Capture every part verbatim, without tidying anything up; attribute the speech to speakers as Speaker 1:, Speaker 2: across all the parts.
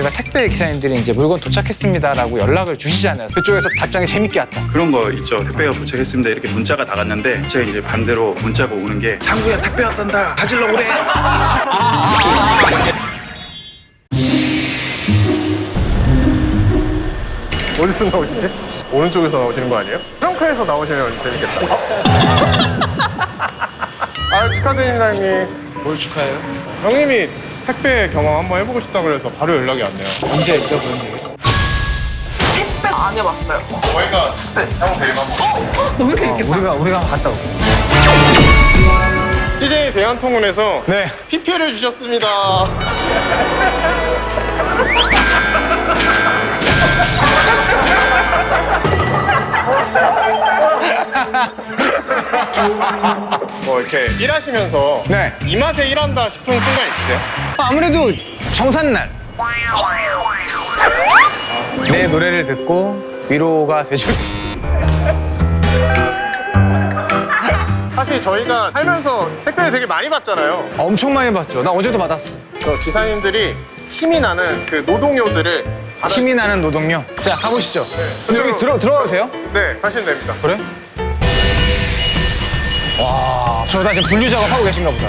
Speaker 1: 저희가 택배 기사님들이 이제 물건 도착했습니다라고 연락을 주시잖아요. 그쪽에서 답장이 재밌게 왔다.
Speaker 2: 그런 거 있죠. 택배가 도착했습니다. 이렇게 문자가 나갔는데 제가 이제 반대로 문자가 오는 게 상구야 택배 왔단다. 가질러 오래.
Speaker 3: 어디서 나오시지? 오른쪽에서 나오시는 거 아니에요? 트렁크에서 나오시면 재밌겠다. 아 축하드립니다 형님.
Speaker 1: 뭘 축하해요?
Speaker 3: 형님이 택배 경험 한번 해보고 싶다고 그래서 바로 연락이 왔네요.
Speaker 1: 언제 했죠 그런 얘기?
Speaker 4: 택배 안 해봤어요.
Speaker 3: 저희가 형 데리고 한번
Speaker 4: 너무 재밌겠다.
Speaker 1: 우리가 우리가 한번 갔다 올게.
Speaker 3: 씨제이 대한통운에서
Speaker 1: 네.
Speaker 3: 피피엘을 주셨습니다. 뭐 이렇게 일하시면서
Speaker 1: 네.
Speaker 3: 이 맛에 일한다 싶은 순간 있으세요?
Speaker 1: 아무래도 정산날 내 노래를 듣고 위로가 되셨습니다.
Speaker 3: 사실 저희가 살면서 택배를 되게 많이 받잖아요.
Speaker 1: 엄청 많이 받죠. 나 어제도 받았어.
Speaker 3: 저 기사님들이 힘이 나는 그 노동요들을 받아-
Speaker 1: 힘이 나는 노동요. 자 가보시죠.
Speaker 3: 저쪽으로-
Speaker 1: 여기 들어 들어가도 돼요?
Speaker 3: 네, 하시면 됩니다.
Speaker 1: 그래? 와, 저 나 지금 분류 작업 하고 계신가 보다.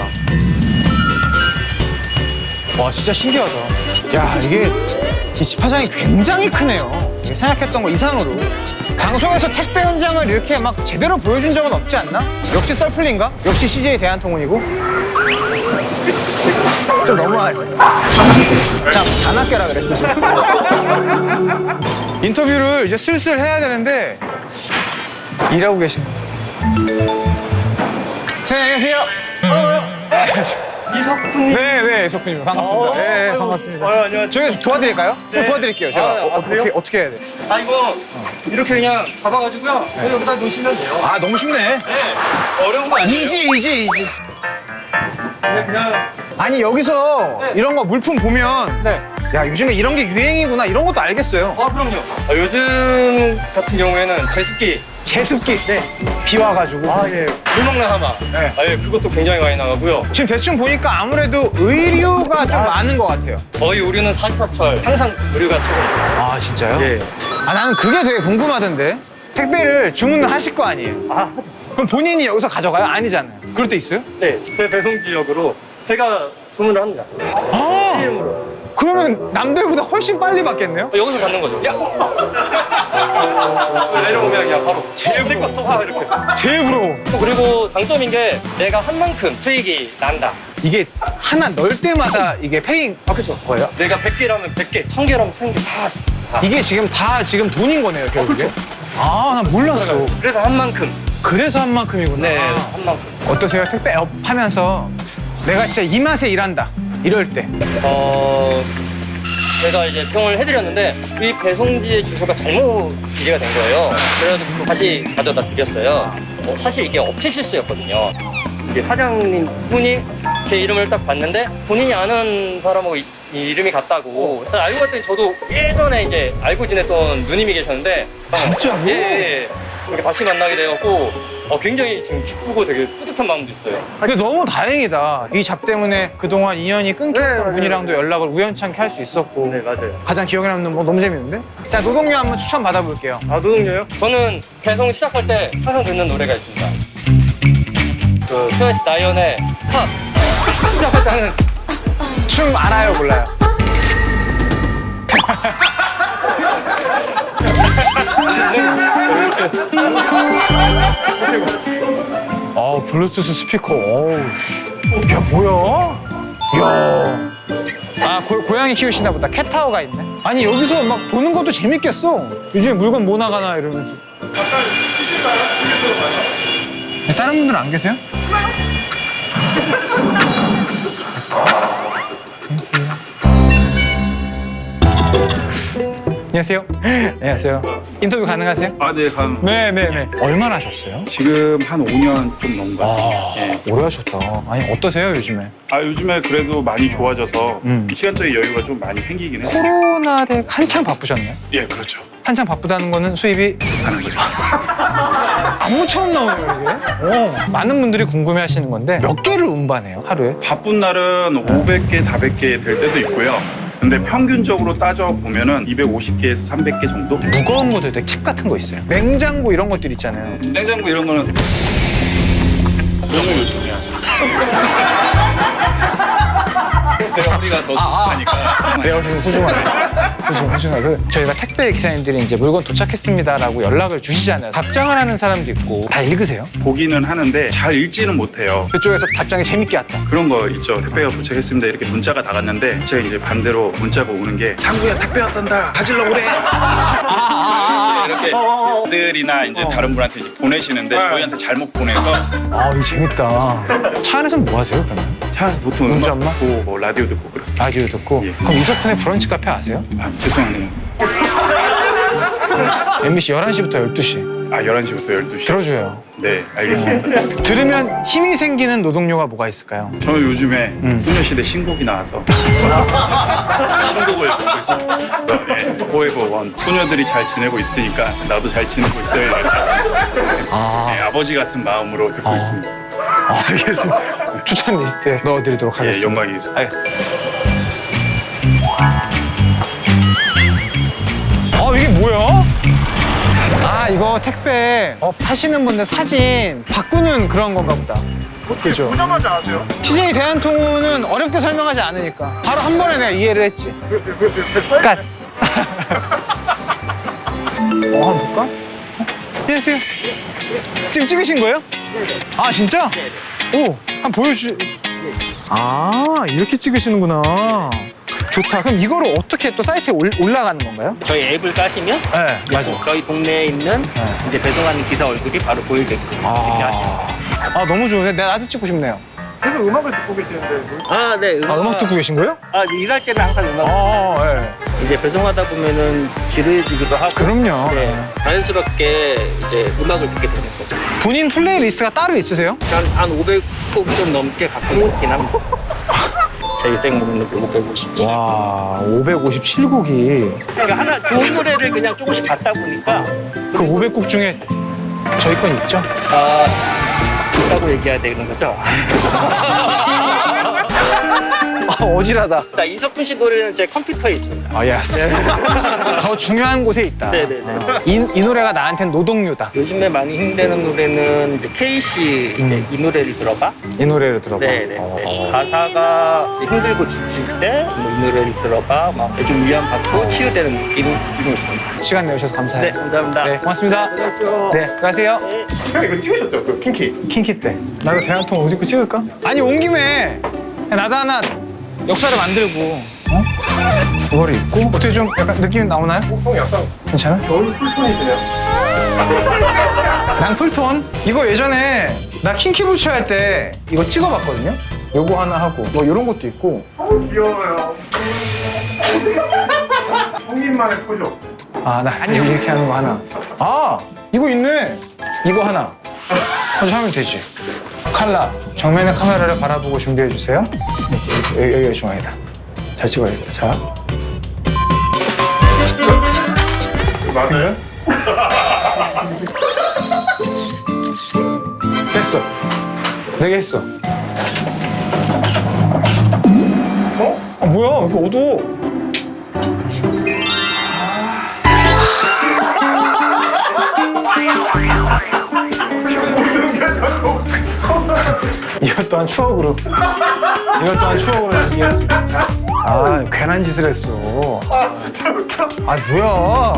Speaker 1: 와, 진짜 신기하다. 야, 이게 이 집화장이 굉장히 크네요. 이게 생각했던 거 이상으로. 방송에서 택배 현장을 이렇게 막 제대로 보여준 적은 없지 않나? 역시 썰풀린가? 역시 씨제이 대한통운이고? 좀 너무하지? 자, 잔악계라 그랬어, 지금. 인터뷰를 이제 슬슬 해야 되는데 일하고 계신 자, 안녕하세요.
Speaker 4: 이석훈님.
Speaker 1: 네, 네, 이석훈님 반갑습니다. 네, 네, 반갑습니다.
Speaker 4: 어, 안녕하세요.
Speaker 1: 저희 도와드릴까요? 좀 도와드릴게요. 제가
Speaker 4: 아,
Speaker 1: 어,
Speaker 4: 아, 그래요?
Speaker 1: 어떻게 어떻게 해야 돼?
Speaker 4: 아 이거 이렇게 그냥 잡아가지고요. 여기다 놓으시면 돼요.
Speaker 1: 아, 너무 쉽네.
Speaker 4: 네. 어려운 거 아니에요?
Speaker 1: 이지, 이지, 이지.
Speaker 4: 네, 그냥
Speaker 1: 아니 여기서
Speaker 4: 네.
Speaker 1: 이런 거 물품 보면
Speaker 4: 네.
Speaker 1: 야 요즘에 이런 게 유행이구나 이런 것도 알겠어요.
Speaker 4: 아 그럼요. 아, 요즘 같은 경우에는 제습기.
Speaker 1: 제습기.
Speaker 4: 네.
Speaker 1: 비 와가지고.
Speaker 4: 아 예. 물 먹는 하마.
Speaker 1: 네.
Speaker 4: 아 예. 그것도 굉장히 많이 나가고요.
Speaker 1: 지금 대충 보니까 아무래도 의류가 좀 많은 것 같아요.
Speaker 4: 거의 우리는 사시사철 항상 의류가 최고입니다.
Speaker 1: 아 진짜요?
Speaker 4: 예.
Speaker 1: 아 나는 그게 되게 궁금하던데 택배를 주문을 하실 거 아니에요?
Speaker 4: 아
Speaker 1: 그럼 본인이 여기서 가져가요? 아니잖아요. 그럴 때 있어요?
Speaker 4: 네. 제 배송 지역으로 제가 주문을 합니다.
Speaker 1: 아
Speaker 4: 이름으로.
Speaker 1: 그러면 남들보다 훨씬 빨리 받겠네요?
Speaker 4: 여기서 받는 거죠. 야. 내려오면 그냥 바로 제일 거 써봐 이렇게.
Speaker 1: 제일 부러워.
Speaker 4: 그리고 장점인 게 내가 한 만큼 수익이 난다.
Speaker 1: 이게 하나 넣을 때마다 이게 페잉
Speaker 4: 아 그렇죠.
Speaker 1: 거예요?
Speaker 4: 내가 백 개라면 백 개, 천 개라면 천 개 다. 다.
Speaker 1: 이게 지금 다 지금 돈인 거네요, 결국에?
Speaker 4: 그렇죠.
Speaker 1: 아, 난 몰랐어.
Speaker 4: 그래서 한 만큼.
Speaker 1: 그래서 한 만큼이구나.
Speaker 4: 네, 한 만큼.
Speaker 1: 어떠세요? 택배업 하면서 내가 진짜 이 맛에 일한다. 이럴 때.
Speaker 4: 어, 제가 이제 평을 해드렸는데 이 배송지의 주소가 잘못 기재가 된 거예요. 그래서 다시 가져다 드렸어요. 어, 사실 이게 업체 실수였거든요. 이게 사장님 분이 제 이름을 딱 봤는데 본인이 아는 사람하고 이, 이 이름이 같다고. 알고 봤더니 저도 예전에 이제 알고 지냈던 누님이 계셨는데
Speaker 1: 진짜로?
Speaker 4: 예, 예. 이렇게 다시 만나게 되었고 어, 굉장히 지금 기쁘고 되게 뿌듯한 마음도 있어요.
Speaker 1: 근데 너무 다행이다. 이 잡 때문에 그동안 인연이 끊겼던 분이랑도 연락을 우연찮게 할 수 있었고.
Speaker 4: 네, 맞아요.
Speaker 1: 가장 기억에 남는 뭐 너무 재밌는데? 자, 노동요 한번 추천 받아볼게요.
Speaker 4: 아, 노동요요? 저는 배송 시작할 때 항상 듣는 노래가 있습니다. 그 트와이스 나이언의 팝 시작할 때 하는
Speaker 1: 춤 알아요, 몰라요? 아, 블루투스 스피커. 어우, 씨. 야, 뭐야? 야. 아, 고, 고양이 키우시나 보다. 캣타워가 있네. 아니, 여기서 막 보는 것도 재밌겠어. 요즘에 물건 뭐 나가나 이러면서. 네, 다른 분들 안 계세요? 안녕하세요. 안녕하세요. 인터뷰 가능하세요?
Speaker 2: 아, 네, 감.
Speaker 1: 네네네. 얼마나 하셨어요?
Speaker 2: 지금 한 오 년 좀 넘은 것 같아요. 예.
Speaker 1: 오래 하셨다. 아니, 어떠세요, 요즘에?
Speaker 2: 아, 요즘에 그래도 많이 좋아져서
Speaker 1: 음.
Speaker 2: 시간적인 여유가 좀 많이 생기긴 해요.
Speaker 1: 코로나 때 한창 바쁘셨나요?
Speaker 2: 예, 그렇죠.
Speaker 1: 한창 바쁘다는 거는 수입이
Speaker 2: 하는 거죠.
Speaker 1: 아무처럼 나오네요, 이게. 어, 많은 분들이 궁금해 하시는 건데 몇 개를 운반해요, 하루에?
Speaker 2: 바쁜 날은 오백 개, 사백 개 될 때도 있고요. 근데 평균적으로 따져 보면은 이백오십 개에서 삼백 개 정도?
Speaker 1: 무거운 것도 팁 같은 거 있어요. 냉장고 이런 것들 있잖아요.
Speaker 2: 냉장고 이런 거는 너무 요즘해야죠. 우리가 더 소중하니까.
Speaker 1: 내 얼굴은 소중하네. 소중, 소중하고. 저희가 택배 기사님들이 이제 물건 도착했습니다라고 연락을 주시잖아요. 답장을 하는 사람도 있고. 다 읽으세요?
Speaker 2: 보기는 하는데 잘 읽지는 못해요.
Speaker 1: 그쪽에서 답장이 재밌게 왔다.
Speaker 2: 그런 거 있죠. 택배가 도착했습니다. 이렇게 문자가 다 갔는데 제가 이제 반대로 문자가 오는 게 상구야 택배 왔단다. 가질러 오래. 이렇게 들이나 이제 다른 분한테 이제 보내시는데 저희한테 잘못 보내서
Speaker 1: 아, 이거 재밌다. 차 안에서는 뭐 하세요, 그러면?
Speaker 2: 차 안에서 보통
Speaker 1: 문자
Speaker 2: 음악
Speaker 1: 엄마?
Speaker 2: 듣고 뭐 라디오 듣고 그렇습니다.
Speaker 1: 라디오 듣고.
Speaker 2: 예.
Speaker 1: 그럼 이석훈의 브런치 카페 아세요?
Speaker 2: 아, 죄송하네요.
Speaker 1: 엠비씨 열한 시부터 열두 시.
Speaker 2: 아, 열한 시부터 열두 시.
Speaker 1: 들어줘요.
Speaker 2: 네, 알겠습니다.
Speaker 1: 들으면 힘이 생기는 노동요가 뭐가 있을까요?
Speaker 2: 저는 요즘에
Speaker 1: 음.
Speaker 2: 소녀시대 신곡이 나와서 신곡을 듣고 있습니다. 네, 포에버 원. 소녀들이 잘 지내고 있으니까 나도 잘 지내고 있어야겠다.
Speaker 1: 아,
Speaker 2: 네, 아버지 같은 마음으로 듣고
Speaker 1: 아.
Speaker 2: 있습니다.
Speaker 1: 아, 알겠습니다. 추천 리스트에 넣어드리도록
Speaker 2: 예,
Speaker 1: 하겠습니다.
Speaker 2: 영광이겠습니다.
Speaker 1: 아, 어, 이게 뭐야? 아, 이거 택배 어, 하시는 분들 사진 바꾸는 그런 건가 보다. 그죠?
Speaker 3: 보자마자 아세요?
Speaker 1: 피제이 대한통운은 어렵게 설명하지 않으니까 바로 한 번에 내가 이해를 했지.
Speaker 3: 그, 그, 그, 그,
Speaker 1: 끝. 어, 한번 볼까? 어? 안녕하세요. 지금 찍으신 거예요? 아, 진짜? 오, 한번 보여주. 아, 이렇게 찍으시는구나. 좋다. 그럼 이거를 어떻게 또 사이트에 올, 올라가는 건가요?
Speaker 5: 저희 앱을 까시면
Speaker 1: 네, 맞아.
Speaker 5: 저희 동네에 있는
Speaker 1: 네.
Speaker 5: 이제 배송하는 기사 얼굴이 바로 보이게끔 이렇게 하시면.
Speaker 1: 아, 아, 너무 좋은데? 내가 나도 찍고 싶네요.
Speaker 3: 계속 음악을 듣고 계시는데 뭐-
Speaker 5: 아, 네.
Speaker 1: 아, 음악 듣고 계신 거예요?
Speaker 5: 아, 일할 때는 항상 음악.
Speaker 1: 아, 네.
Speaker 5: 이제 배송하다 보면은 지루해지기도 하고.
Speaker 1: 그럼요.
Speaker 5: 네. 자연스럽게 이제 음악을 듣게 되는 거죠.
Speaker 1: 본인 플레이리스트가 따로 있으세요?
Speaker 5: 한, 한 오백 곡 좀 넘게 갖고 있긴 합니다. 제 인생 목록 오백오십칠.
Speaker 1: 와, 오백오십칠 곡이.
Speaker 5: 그러니까 하나 좋은 노래를 그냥 조금씩 받다 보니까
Speaker 1: 그 오백 곡 중에 저희 건 있죠?
Speaker 5: 아, 있다고 얘기해야 되는 거죠.
Speaker 1: 아, 어지러다.
Speaker 5: 자, 이석훈 씨 노래는 제 컴퓨터에 있습니다.
Speaker 1: 아, 예스. 더 중요한 곳에 있다.
Speaker 5: 네네네.
Speaker 1: 아, 이, 이 노래가 나한테는 노동요다.
Speaker 5: 요즘에 많이 힘드는 노래는 이제 케이씨 이제 이 노래를 들어봐.
Speaker 1: 이 노래를 들어봐.
Speaker 5: 네네.
Speaker 1: 어.
Speaker 5: 가사가 힘들고 지칠 때 이 노래를 들어봐. 막 좀 위안받고 치유되는 느낌이, 느낌이 있습니다.
Speaker 1: 시간 내주셔서 감사해요.
Speaker 5: 네, 감사합니다.
Speaker 1: 네, 고맙습니다.
Speaker 5: 안녕하세요.
Speaker 1: 네, 가세요.
Speaker 3: 형 이거 찍으셨죠? 그 킹키.
Speaker 1: 킹키 때. 나도 대한통 옷 입고 찍을까? 아니, 온 김에 나도 하나 역사를 만들고, 어? 그거를 입고 어떻게 좀 약간 느낌이 나오나요?
Speaker 3: 형 약간
Speaker 1: 괜찮아?
Speaker 3: 겨울 풀톤이시네요.
Speaker 1: 난 풀톤? 이거 예전에 나 킹키 부츠 할 때 이거 찍어봤거든요? 요거 하나 하고 뭐 이런 것도 있고.
Speaker 3: 너무 귀여워요. 형님만의 포즈 없어요.
Speaker 1: 아, 나 안녕 이렇게 하는 거 하나. 아, 이거 있네. 이거 하나. 먼저 하면 되지. 칼라. 정면의 카메라를 바라보고 준비해 주세요. 이렇게, 여기, 여기가 중앙이다. 잘 찍어야겠다. 자.
Speaker 3: 맞아요?
Speaker 1: 됐어. 네 개 했어. 어? 아, 뭐야? 왜 이렇게 어두워? 이것 또한 추억으로. 이것 또한 추억으로 남기겠습니다. 아, 괜한 짓을 했어.
Speaker 3: 아 진짜 웃겨.
Speaker 1: 아, 뭐야.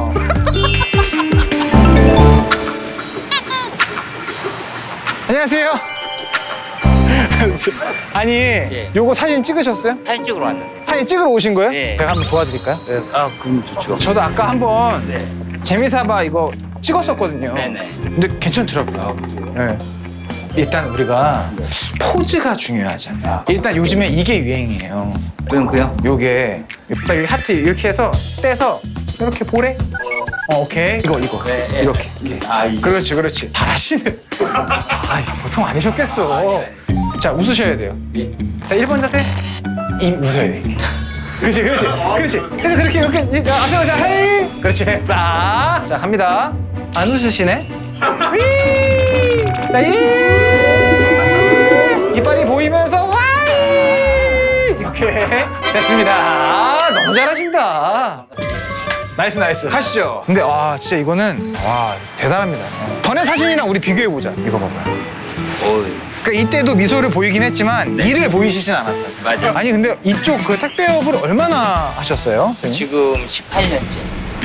Speaker 1: 안녕하세요. 아니, 요거 사진 찍으셨어요?
Speaker 5: 사진 찍으러 왔는데.
Speaker 1: 사진 찍으러 오신 거예요?
Speaker 5: 네.
Speaker 1: 제가 한번 도와드릴까요?
Speaker 5: 네. 아, 그럼 좋죠.
Speaker 1: 저도 아까 한번
Speaker 5: 네.
Speaker 1: 재미삼아 이거 찍었었거든요.
Speaker 5: 네네.
Speaker 1: 근데 괜찮더라고요. 네. 일단 우리가 포즈가 중요하잖아요. 일단 요즘에 이게 유행이에요.
Speaker 5: 그냥요?
Speaker 1: 요게 딱 여기 하트 이렇게 해서 떼서 이렇게 보래. 어, 오케이. 이거 이거
Speaker 5: 네, 네.
Speaker 1: 이렇게. 이렇게.
Speaker 5: 아, 이거.
Speaker 1: 그렇지 그렇지. 잘하시네. 아, 보통 아니셨겠어. 자, 웃으셔야 돼요. 자, 일 번 자세. 이 웃어야 돼. 그렇지 그렇지 그렇지. 그래서 그렇게 이렇게 이제 앞에 가자. 헤이. 그렇지. 자, 자 갑니다. 안 웃으시네. 휘. 자, 이. 이빨이 보이면서 와. 이렇게. 오케이. 됐습니다. 아, 너무 잘하신다. 나이스, 나이스. 가시죠. 근데, 와, 진짜 이거는, 와, 대단합니다. 전에 사진이랑 우리 비교해보자. 이거 봐봐요.
Speaker 4: 오,
Speaker 1: 그러니까 이때도 미소를 보이긴 했지만, 일을 보이시진 않았다.
Speaker 4: 맞아.
Speaker 1: 아니, 근데 이쪽 그 택배업을 얼마나 하셨어요?
Speaker 4: 지금 십팔 년째.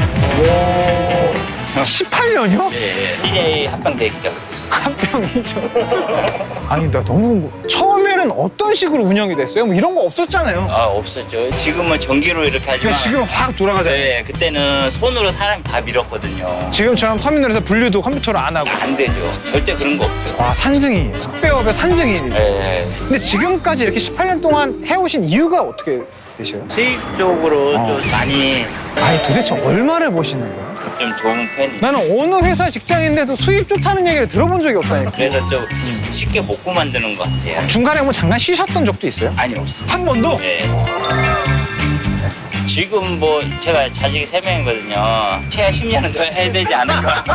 Speaker 1: 십팔 년이요?
Speaker 4: 네. 디제이 합병대행죠.
Speaker 1: 한 병이죠. 아니, 나 너무 궁금- 처음에는 어떤 식으로 운영이 됐어요? 뭐 이런 거 없었잖아요.
Speaker 4: 아, 없었죠. 지금은 전기로 이렇게 하지만.
Speaker 1: 근데 지금 확 돌아가잖아요.
Speaker 4: 네, 그때는 손으로 사람이 다 밀었거든요.
Speaker 1: 지금처럼 터미널에서 분류도 컴퓨터로 안 하고.
Speaker 4: 안 되죠. 절대 그런 거 없죠.
Speaker 1: 와, 산증이. 택배업의 산증인이지.
Speaker 4: 네.
Speaker 1: 근데 지금까지 이렇게 십팔 년 동안 해오신 이유가 어떻게 되셔요?
Speaker 4: 수입적으로
Speaker 1: 어.
Speaker 4: 좀 많이
Speaker 1: 아니, 도대체 얼마를 버시는 거야?
Speaker 4: 좀 좋은 편이에요.
Speaker 1: 나는 어느 회사 직장인데도 수입 좋다는 얘기를 들어본 적이 없다니까.
Speaker 4: 그래서 좀 쉽게 먹고 만드는 것 같아요.
Speaker 1: 중간에 뭐 잠깐 쉬셨던 적도 있어요?
Speaker 4: 아니, 없어요.
Speaker 1: 한 번도?
Speaker 4: 네. 지금 뭐 제가 자식이 세 명이거든요. 최하 십 년은 더 해야 되지 않을까.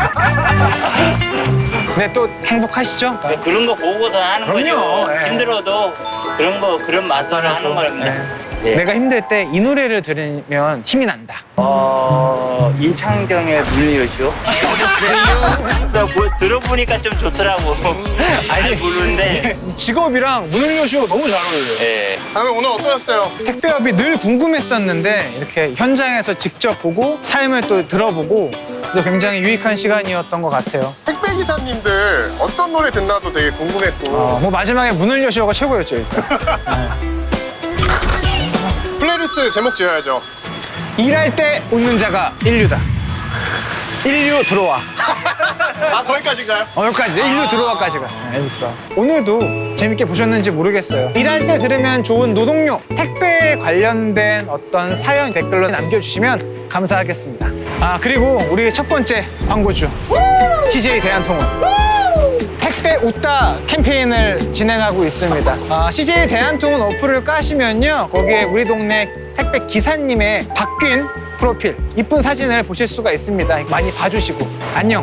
Speaker 1: 네, 또 행복하시죠?
Speaker 4: 그런 거 보고서 하는
Speaker 1: 그럼요.
Speaker 4: 거죠.
Speaker 1: 네.
Speaker 4: 힘들어도 그런 거 그런 맛으로 하는 겁니다. 네.
Speaker 1: 내가 힘들 때 이 노래를 들으면 힘이 난다.
Speaker 4: 어, 임창정의 물리요시오. 나 뭐 들어보니까 좀 좋더라고. 잘 부르는데.
Speaker 1: 직업이랑 문을요쇼가 너무 잘 어울려요.
Speaker 4: 예.
Speaker 3: 다음에 오늘 어떠셨어요?
Speaker 1: 택배업이 늘 궁금했었는데 이렇게 현장에서 직접 보고 삶을 또 들어보고 또 굉장히 유익한 시간이었던 것 같아요.
Speaker 3: 택배 기사님들 어떤 노래 듣나도 되게 궁금했고
Speaker 1: 어, 뭐 마지막에 문을요쇼가 최고였죠, 일단.
Speaker 3: 플레이리스트 제목 지어야죠.
Speaker 1: 일할 때 웃는 자가 인류다. 인류 들어와.
Speaker 3: 아 거기까지인가요?
Speaker 1: 어, 여기까지. 인류 들어와까지가. 네, 인류 들어와. 오늘도 재밌게 보셨는지 모르겠어요. 일할 때 들으면 좋은 노동요, 택배에 관련된 어떤 사연 댓글로 남겨주시면 감사하겠습니다. 아, 그리고 우리 첫 번째 광고주, 씨제이 대한통운. 택배 웃다 캠페인을 진행하고 있습니다. 아, 씨제이 대한통운 어플을 까시면요, 거기에 우리 동네 택배 기사님의 바뀐 프로필, 이쁜 사진을 보실 수가 있습니다. 많이 봐주시고. 안녕.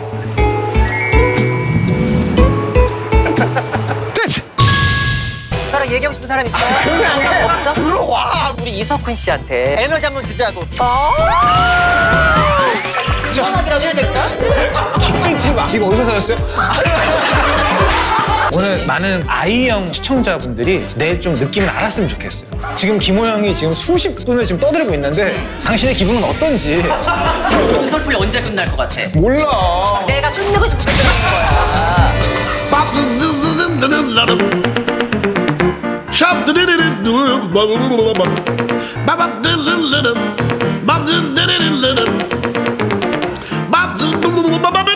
Speaker 1: 끝!
Speaker 6: 저랑 얘기하고 싶은 사람 있어요? 없어? 들어와! 우리 이석훈 씨한테 에너지 한번 주자고. 어? 전화기라도 해야 될까?
Speaker 1: 기쁘지 마. 이거 어디서 사셨어요? 오늘 많은 아이형 시청자분들이 내 좀 느낌을 알았으면 좋겠어요. 지금 김호영이 지금 수십 분을 지금 떠들고 있는데 당신의 기분은 어떤지
Speaker 6: 그 설풀이 언제 끝날 것 같아?
Speaker 1: 몰라.
Speaker 6: 내가 끝내고 싶을 때 끝내는 거야.
Speaker 7: Bop